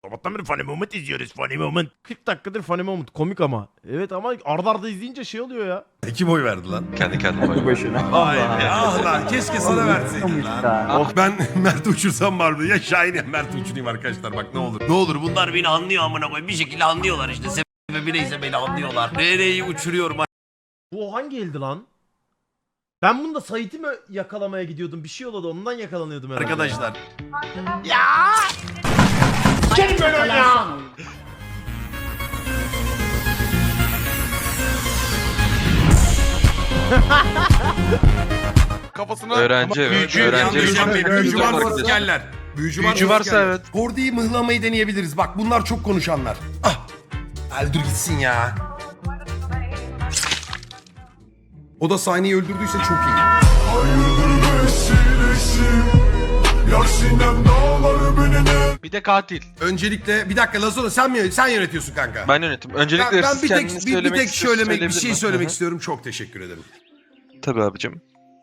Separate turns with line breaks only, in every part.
Sabahtan beri Funny Moment izliyoruz. Funny Moment. 40 dakikadır Funny Moment. Komik ama. Evet ama arda arda izleyince şey oluyor ya.
Kim oy verdi lan?
Kendi kendime
Tek başına.
Vay be ah lan keşke sana verseydim lan. Oh ben Mert uçursam vardı ya Şahin ya Mert uçurayım arkadaşlar bak ne olur. Ne olur bunlar beni anlıyor amına koyayım bir şekilde anlıyorlar işte sebebi neyse beni anlıyorlar. Nereyi uçuruyorum.
Bu hangi eldi lan? Ben bunu da Sait'i mi yakalamaya gidiyordum? Bir şey oldu ondan yakalanıyordum herhalde.
Arkadaşlar.
Gelin böyle ya.
Kafasına
öğrenci
büyücü,
öğrenci.
Büyücü varsa askerler.
Büyücü varsa evet.
Gordy'yi mıhlamayı deneyebiliriz. Bak bunlar çok konuşanlar. Ah. Öldür gitsin ya. O da sahneyi öldürdüyse çok iyi.
Bir de katil.
Öncelikle bir dakika Lazona sen yönetiyorsun kanka.
Ben yönetim. Öncelikle
Ben bir tek bir
söylemek
şey söylemek istiyorum. Çok teşekkür ederim.
Tabii abicim.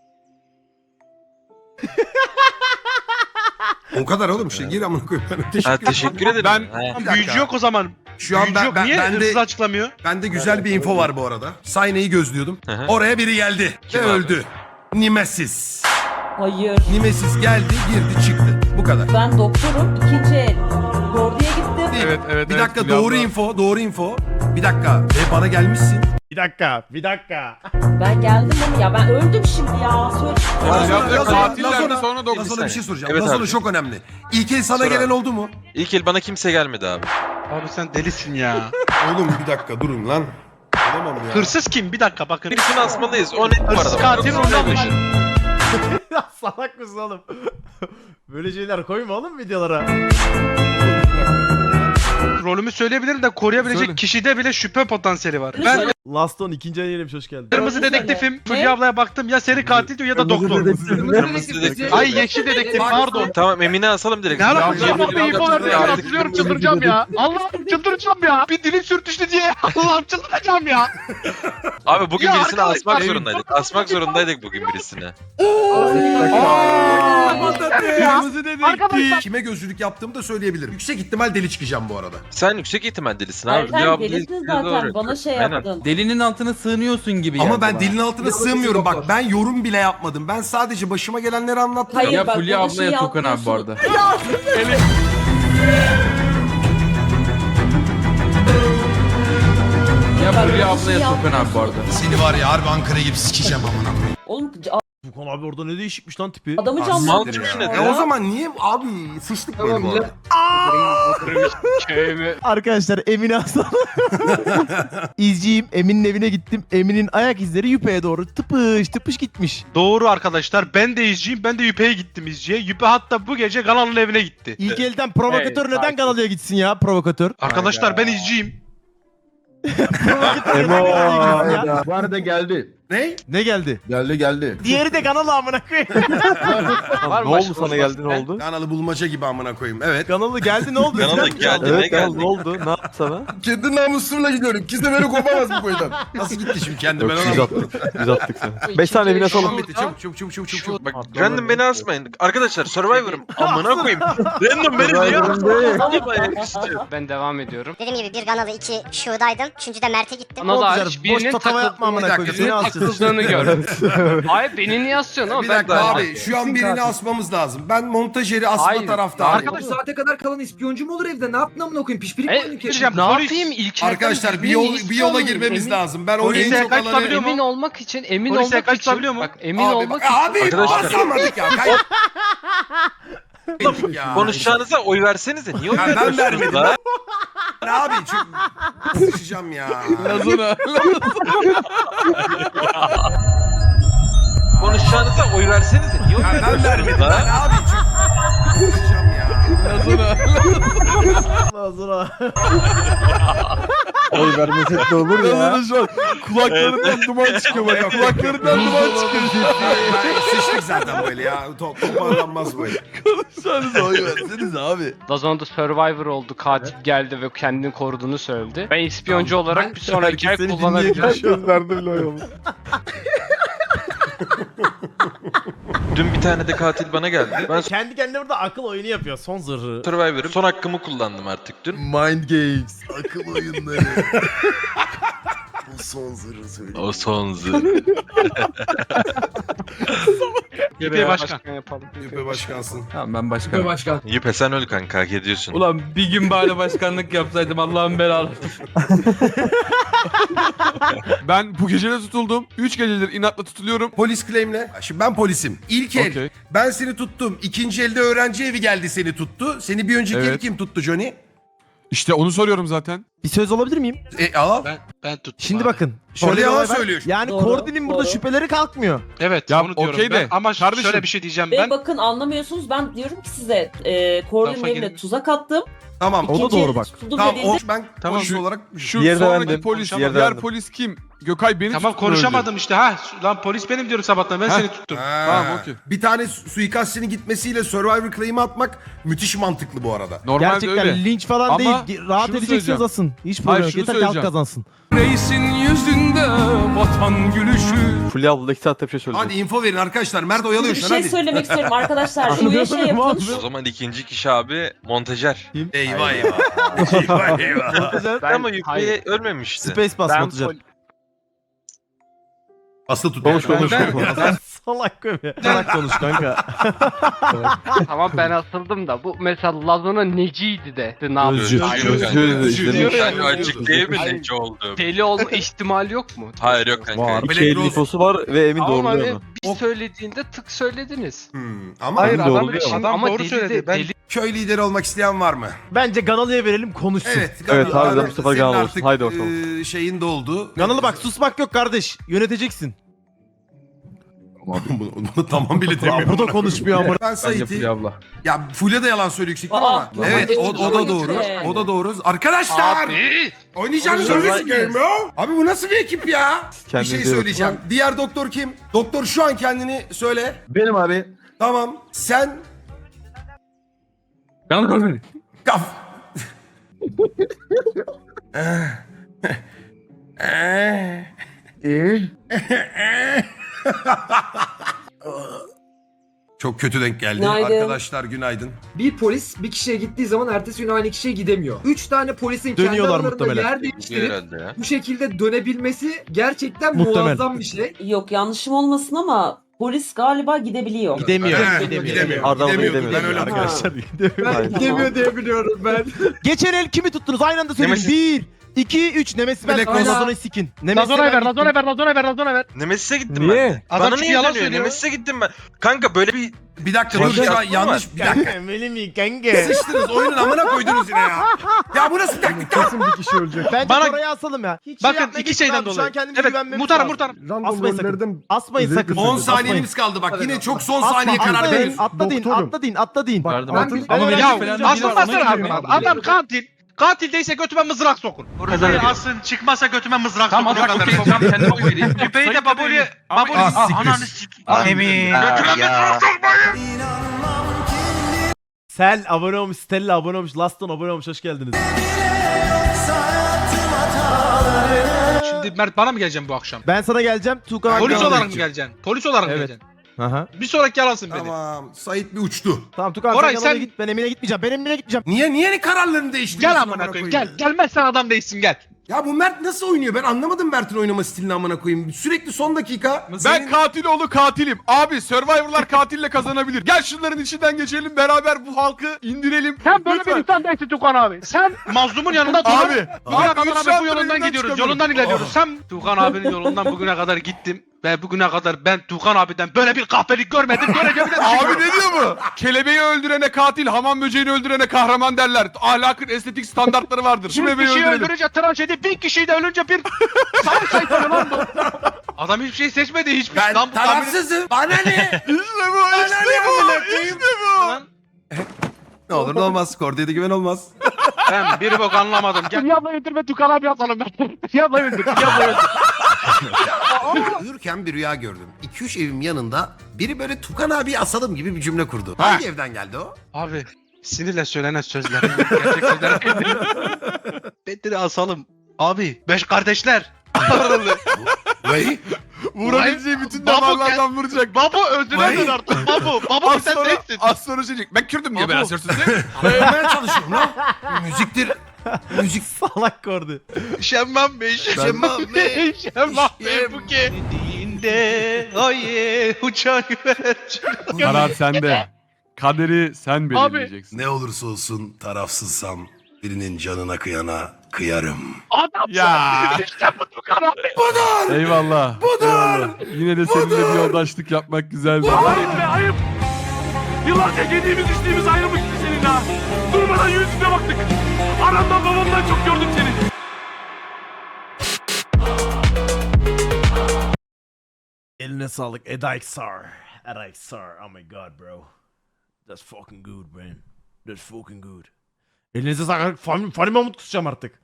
O kadar oğlum işte gir amına koyayım.
Teşekkür ederim.
Ben
Bir dakika.
büyücü yok o zaman.
Şu an
Büyücü yok. Niye
ben
hırsız
de
açıklamıyor?
bende güzel bir info var bu arada. Sahneyi gözlüyordum.
Hı hı.
Oraya biri geldi
Kim
ve
abi?
öldü. Nemesis.
Hayır.
Nemesis geldi, girdi, çıktı. Bu kadar.
Ben doktorum. İkinci el. Gordi'ye gittim.
Evet evet.
Bir dakika doğru info. Bir dakika. Bana gelmişsin.
Bir dakika.
Ben geldim ama ya ben öldüm şimdi ya. Söyle.
Lazona bir şey soracağım.
Evet
Lazona
abi.
çok önemli. İlk el sana
Sor
gelen
abi.
oldu mu?
İlk el bana kimse gelmedi abi.
Abi sen delisin ya.
Oğlum bir dakika durun lan. Olamam ya.
Hırsız kim? Bir dakika bakın.
Birisini asmalıyız. O net bu
Hırsız
arada.
katil ondan mı?
Ya salak mısın oğlum? Böyle şeyler koyma oğlum videolara.
Rolümü söyleyebilirim de koruyabilecek
Söyle.
kişide bile şüphe potansiyeli var. Ben
Last on ikinci ayı hoş geldin.
kırmızı dedektifim. Fulya ablaya baktım ya seri katil diyor ya da doktor.
Kırmızı dedektif.
Ay yeşil dedektif pardon.
Tamam Emine asalım direkt.
Ne alakası
Ya,
var be info vermeye
artık-
hatırlıyorum çıldıracağım ya. Allah'ım çıldıracağım ya. Bir dilim sürtüştü diye Allah'ım çıldıracağım ya.
Abi bugün
Ya
birisini
arkadaşlar,
asmak zorundaydık. Asmak zorundaydık bugün birisini.
Kırmızı dedektif.
Kime gözlülük yaptığımı da söyleyebilirim. Yüksek ihtimal deli çıkacağım bu arada.
Sen yüksek ihtimal delisin
Hayır
abi.
sen
Cevabı
delisin
değil,
zaten.
doğru.
Bana şey
Aynen.
yaptın.
Delinin altına sığınıyorsun gibi
Ama
geldi
ben
bana.
dilin altına sığmıyorum. Bak ben yorum bile yapmadım. Ben sadece başıma gelenleri anlattım.
Hayır,
Ya
bak,
Fulya
bana
abla
şey
ya Tukan abi bu
yapmıyorsun.
arada. Ya
Bak,
Fulya
bana
abla
şey
ya Tukan abi bu arada.
Seni var ya harbi Ankara gibi sikeceğim amına koyayım.
Oğlum
Bukan abi orada ne değişikmiş lan tipi.
adamı
Mal
canlandırdı.
çıkış
ya.
ne?
O zaman niye abi sıçtık böyle bu arada.
Arkadaşlar Emin'i asalım. İzciyim. Emin'in evine gittim. Emin'in ayak izleri Yüpe'ye doğru tıpış gitmiş.
Doğru arkadaşlar ben de izciyim. Ben de Yüpe'ye gittim izciye. Yüpe hatta bu gece Galalı'nın evine gitti.
İlk elden provokatör neden Galalı'ya gitsin ya provokatör?
Arkadaşlar ben izciyim.
Provokatör neden Galalı'ya gitsin ya?
Bu arada geldi.
Ne?
Ne geldi?
Geldi.
Diğeri de Ganalı amına koyayım.
Ne oldu sana geldi ne oldu?
Kanalı bulmaca gibi amına koyayım. Evet.
Ganalı geldi ne oldu?
Kanalı
Sen-
geldi.
Evet
Ne geldi?
ne oldu? Ne yaptı sana?
Kendi namusumla gidiyorum. Kimse beni kopamaz bu boydan.
Nasıl gitti şimdi kendi
Yok
ben
biz
ona...
attık. Biz attık seni. 5 tane evine
Tamam
salın.
bitti çabuk.
Bak random beni asmayın. Arkadaşlar Survivor'ım. Amına koyayım. Random beni niye asmayın?
Ben devam ediyorum.
Dediğim gibi bir Ganalı, iki Şu'daydım. Üçüncü de Mert'e gittim.
Ona da
Güzel,
hariç
boş
birinin
tatava yapma amına
Bir
koyayım.
dakika,
Seni asacağız.
takıldığını gördüm. Hayır beni niye asıyorsun ama
Bir
ben
dakika abi şu an birini asmamız lazım. Ben montajeri asma
Hayır.
taraftarıyım.
Arkadaş,
saate kadar kalan ispiyoncu mu olur evde? Ne yaptın amına koyayım? Pişpirik mi oynuyorsun?
Diyeceğim,
ne
polis-
yapayım İlker'den
Arkadaşlar
bilmeyi
bir yola
istiyorum.
girmemiz lazım. Ben o
Polise
en çok
kaçabiliyor
alanı...
mu?
Emin olmak için
Polise kaçabiliyor mu?
Bak emin
Abi,
olmak
bak, abi
Arkadaşlar-
basamadık ya. Ya.
Konuşacağınıza oy versenize. Niye oy
Ya ben
veriyorsunuz
vermedim.
la?
Ben abi çünkü sıçacağım ya.
Konuşacağınıza oy versenize. Niye oy
Ya ben
veriyorsunuz
vermedim. Ben
la?
abi çünkü sıçacağım ya.
Lazura.
Oy vermesek de olur ya.
Şu an kulaklarından duman çıkıyor bak. Kulaklarından duman çıkıyor.
Ben sıçtık zaten böyle ya. Toparlanmaz böyle.
Konuşsanıza oy verseniz abi.
Dazon'da Survivor oldu. Katil geldi ve kendini koruduğunu söyledi. Ben ispiyoncu olarak bir sonraki ay kullanabilirim.
Gözlerde bile oy olmuş.
Dün bir tane de katil bana geldi. Ben
Kendi kendine burada akıl oyunu yapıyor. Son zırhı.
Survivor'ım. Son hakkımı kullandım artık dün.
Mind games. Akıl oyunları. Bu son zırhı söyle.
O son zırh.
Yüpe başkan.
yapalım.
Yüpe başkansın.
Tamam ben
Yüpe
başkanım.
başkan.
Yüpe sen öl kanka, hak ediyorsun.
Ulan bir gün bari başkanlık yapsaydım Allah'ın belalı. Ben bu gece de tutuldum. 3 gecedir inatla tutuluyorum.
Polis claim'le. Şimdi ben polisim. İlk el.
Okey.
Ben seni tuttum. İkinci elde öğrenci evi geldi seni tuttu. Seni bir önceki el
Evet.
kim tuttu Johnny?
İşte onu soruyorum zaten.
Bir söz alabilir miyim?
Al.
Ben tuttum
Şimdi
abi.
bakın.
Orada
bir
yalan
olay var.
söylüyor.
Yani
Doğru,
Kordi'nin burada
doğru.
şüpheleri kalkmıyor.
Evet
Ya,
onu diyorum
okey de,
ben. Ama
kardeşim.
şöyle bir şey diyeceğim
Ve
ben.
bakın anlamıyorsunuz, ben diyorum ki size Kordi'nin
Lafa
evine
girin.
tuzak attım.
Tamam.
O da
İkinci
doğru bak.
tutuldum
Tamam
dediğinde
ben
Tamam.
polis olarak
Şu
Diğeri de
sonraki
bendim.
polis,
Diğeri de
diğer
bendim.
polis kim? Gökay beni
Tamam
tuttu, öldü.
konuşamadım işte ha. Lan polis benim diyorum sabahtan, ben
Ha.
seni tuttum.
Ha.
Tamam, okey.
Bir tane suikastçinin gitmesiyle Survivor claim'i atmak müthiş mantıklı bu arada.
Normalde
Gerçekten
öyle.
linç falan
Ama
değil. Rahat
şunu
edeceksiniz
söyleyeceğim.
asın. Hiç
Hayır,
problem yok.
şunu
Yeter ki halk
söyleyeceğim.
kazansın.
Reisin yüzünde vatan gülüşü.
Fulya abla 2 saatte bir şey söyleyecek.
Hadi info verin arkadaşlar. Mert oyalıyor
bir
şu an
şey
hadi.
söylemek istiyorum arkadaşlar. Şuraya şey yapın.
O zaman ikinci kişi abi montajer.
Eyvah eyvah. eyvah eyvah.
Ama Yüpe ölmemişti.
Space bas
Ben
Batucan.
Aslı tut.
Konuş, konuş,
Ben-
konuş.
Salak köpek. Salak konuş kanka.
Tamam ben asıldım da bu mesela Lazona neciydi de. Ne yapıyor?
Özcü.
Özcü.
Ben açıklayayım neci oldu.
Deli olma ihtimali yok mu?
Hayır yok kanka.
Var.
Black
2 el
Rose-
infosu var ve Emin
Ama
doğruluyor
hani
onu.
bir söylediğinde tık söylediniz.
Ama
Hayır
Doğru
adam,
diyor ama.
adam
Ama
doğru
deli
söyledi.
de,
Ben
deli
köy lideri olmak isteyen var mı?
Bence Ganalı'ya verelim konuşsun.
Evet.
Evet,
Ganalı.
harbiden bu sefer
Senin
Ganalı olsun.
artık,
Haydi bakalım.
Şeyin doldu.
Ganalı bak susmak yok kardeş. Yöneteceksin.
bunu tamam bile
Aa,
demiyorum.
burada konuşmuyor ama.
Ben
Bence
Sait'i...
Fulya abla.
Ya Fulya da yalan söylüyor yüksek
Aa,
ama. Evet
hadi
o da
hadi.
doğru. O da doğru. Arkadaşlar!
Abi.
Oynayacağınız öyle game ya. Abi bu nasıl bir ekip ya? Bir
Kendinize
şey
bakın.
söyleyeceğim. Diğer doktor kim? Doktor şu an kendini söyle.
Benim abi.
Tamam. Sen...
Kanal koy beni.
Kaf... Çok kötü denk geldi.
Günaydın.
Arkadaşlar günaydın.
Bir polis bir kişiye gittiği zaman ertesi gün aynı kişiye gidemiyor. 3 tane polisin kendi
Dönüyorlar
aralarında
muhtemelen.
yer
Gidiyor
değiştirip
herhalde ya.
bu şekilde dönebilmesi gerçekten
Muhtemel.
muazzam bir şey.
Yok yanlışım olmasın ama polis galiba gidebiliyor.
Gidemiyor.
Gidemiyor.
Arda abla
Gidemiyordu.
gidemiyor.
Ben öyle hatırlıyorum.
Arkadaşlar gidemiyor.
Ben gidemiyor diye biliyorum ben.
Geçen el kimi tuttunuz? Aynı anda söyleyin.
Nemesis.
1, 2, 3. Nemesis ben
Black Rose.
Lazona'yı sikin. Nemesis'e
Lazona'ya
ben
ver,
gittim.
Lazona'ya ver, Lazona'ya ver, Lazona'ya ver.
Nemesis'e gittim
Niye?
ben.
Adam
Bana
çünkü
niye
yalan
dönüyor?
söylüyor.
Nemesis'e gittim ben. Kanka böyle bir
Bir dakika
Şey
dur şu an
yaptın
yanlış. Bir dakika.
Kanka mi kanka?
Sıçtınız oyunun amına koydunuz yine ya. Ya bu nasıl taktik ya?
bir kişi ölecek.
Bence
Bana-
Koray'ı asalım ya. Hiç
Bakın
yapmaya
iki
gitme
şeyden
abi. Şu an
dolayı.
kendimize
Evet
güvenmemiz
muhtarım
lazım.
muhtarım.
Asmayın sakın. Asmayın sakın.
10 saniyeniz kaldı bak. Yine çok son saniye karar verin.
Atla deyin, atla deyin, atla deyin.
Verdim.
Ben bir-
Ama
öğrenci
benim
falan
falan
Aslan basın abi. Adam katil. Katil değilse götüme mızrak sokun. Burayı asın, çıkmasa götüme mızrak sokun. O kadar.
Kendime koyayım.
Küpeyi de baboli. Baboli. Ananı sik. Emin. Götüme mızrak sokmayın.
Sel abone olmuş, Stella abone olmuş, Laston abone olmuş. Hoş geldiniz.
Şimdi Mert bana mı geleceksin bu akşam?
Ben sana geleceğim. Tuğkan abi
Polis
bana
olarak mı
gelecek.
geleceksin? Polis olarak mı
Evet.
geleceksin?
Aha.
Bir sonraki yalansın beni.
Tamam. Sait bir uçtu.
Tamam Tuğkan
Koray,
sen yanına
sen-
git. Ben Emin'e gitmeyeceğim. Ben Emin'e gitmeyeceğim.
Niye kararlarını değiştiriyorsun?
Gel amına koyayım gel. Gelmezsen adam değilsin gel.
Ya bu Mert nasıl oynuyor? Ben anlamadım Mert'in oynama stilini amına koyayım. Sürekli son dakika.
Ben katil oğlu katilim. Abi Survivor'lar katille kazanabilir. Gel şunların içinden geçelim beraber bu halkı indirelim.
Sen böyle
Lütfen.
bir insan değilsin Tukan abi. Sen mazlumun yanında dur.
Abi.
Bugüne
Abi,
kadar
üç
abi
saattir
bu yolundan
evinden
gidiyoruz.
çıkamıyorum.
Yolundan ilerliyoruz. Sen Tukan abinin yolundan bugüne kadar gittim. Ve bugüne kadar ben Tukan abiden böyle bir kahpelik görmedim. Göreceğim de
Abi ne diyor bu? Kelebeği öldürene katil, hamam böceğini öldürene kahraman derler. Ahlakın estetik standartları vardır. Şu
Bir
bebeği
kişiyi
öldürelim.
öldürünce trajedi, 1000 kişiyi de ölünce bir savaş sayfalı lan bu. Adam hiçbir şey seçmedi, hiçbir şey.
Ben
Lan bu tahmin-
tarafsızım. Bana ne?
İşte bu, işte bu, işte bu.
Lan
Ne olur ne olmaz. Kordi'ye güven olmaz.
ben bir bok anlamadım. Gel. Yabla öldürme Tukan abi atalım ben. Yabla öldür, yabla öldür.
Uyurken bir rüya gördüm. 2-3 evim yanında biri böyle Tukan abi asalım gibi bir cümle kurdu. Hangi evden geldi o?
Abi sinirle söylenen sözler. Gerçek sözler değil. Bedir'i asalım. Abi 5 kardeşler.
Vay.
Vurabileceği bütün
Babo
damarlardan vuracak.
Babo öldüremez artık. Babo
Az
sen
sonra,
neysin?
az sonra şey diyecek. Ben Kürdüm diye
Babo.
ben asarsın diye.
Anlamaya çalışıyorum lan. Müziktir. Müzik.
Salak kordu.
Şemmam Bey,
Şemmam Bey,
Şemmam Bey
Şem-
bu ki. Dediğinde aye uçan güvercin.
Karar sende. Kaderi sen belirleyeceksin.
Ne olursa olsun tarafsızsam birinin canına kıyana kıyarım.
Adam
Ya.
işte bu Tukan abi.
Eyvallah. Eyvallah. Yine de seninle bir yoldaşlık yapmak güzeldi.
Ayıp be ayıp. Yıllarca yediğimiz içtiğimiz ayrılmıştı seninle ha. Durmadan yüzüne baktık. Anamdan babamdan çok gördüm seni.
Eline sağlık Edaxar. Edaxar. Oh my god bro. That's fucking good man. That's fucking good. Elinize sağlık. Fanny Mahmut kusacağım artık.